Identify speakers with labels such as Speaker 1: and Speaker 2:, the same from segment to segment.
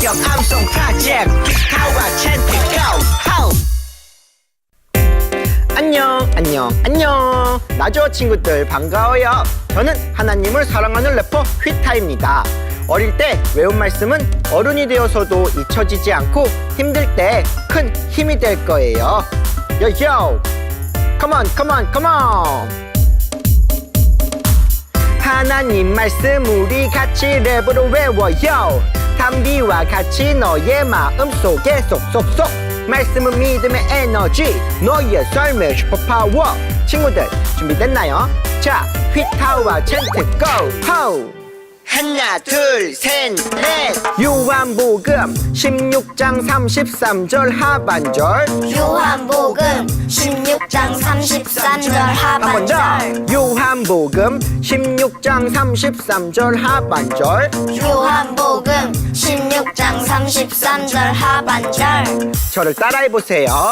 Speaker 1: 성경 암송 프로젝트 휘타와 챈트 고! 안녕 나죠 친구들 반가워요. 저는 하나님을 사랑하는 래퍼 휘타입니다. 어릴 때 외운 말씀은 어른이 되어서도 잊혀지지 않고 힘들 때 큰 힘이 될 거예요. 요요 컴온 하나님 말씀 우리 같이 랩으로 외워요. 담비와 같이 너의 마음속에 쏙쏙쏙 말씀은 믿음의 에너지 너의 삶의 슈퍼파워. 친구들 준비됐나요? 자 휘타와 챈트 고! 하나 둘 셋 넷 요한복음 16장 33절 하반절
Speaker 2: 요한복음 16장 33절
Speaker 1: 한 번 더
Speaker 2: 하반절
Speaker 1: 요한복음 16장 33절 하반절
Speaker 2: 요한복음 16장 33절 하반절
Speaker 1: 저를 따라해보세요.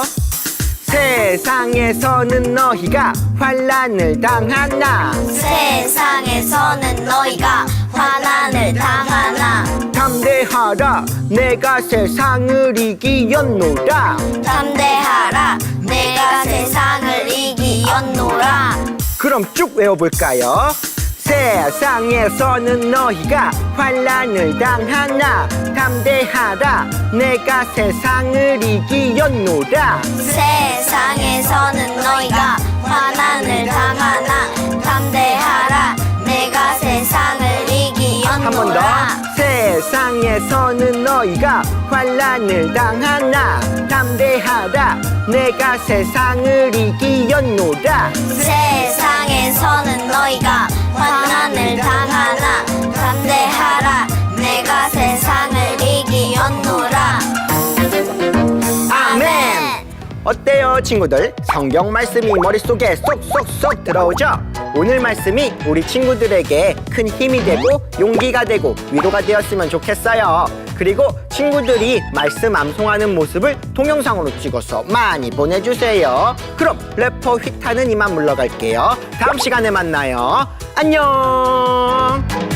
Speaker 1: 세상에서는 너희가 환난을 당하나
Speaker 2: 세상에서는 너희가 환난을 당하나
Speaker 1: 담대하라 내가 세상을 이기었노라.
Speaker 2: 담대하라 내가 세상을 이기었노라.
Speaker 1: 그럼 쭉 외워볼까요? 세상에서는 너희가 환난을 당하나 담대하라 내가 세상을 이기었노라.
Speaker 2: 세상에서는 너희가 환난을 당하나 담대하라 내가 세상을
Speaker 1: 한 번 더
Speaker 2: 이기었노라.
Speaker 1: 세상에서는 너희가 환난을 당하나 담대하라 내가 세상을 이기었노라.
Speaker 2: 세상에서는 너희가 환난을 당하나 담대하라 내가 세상을 이기었노라.
Speaker 1: 아멘. 어때요 친구들? 성경 말씀이 머릿속에 쏙쏙쏙 들어오죠? 오늘 말씀이 우리 친구들에게 큰 힘이 되고 용기가 되고 위로가 되었으면 좋겠어요. 그리고 친구들이 말씀 암송하는 모습을 동영상으로 찍어서 많이 보내주세요. 그럼 래퍼 휘타는 이만 물러갈게요. 다음 시간에 만나요. 안녕.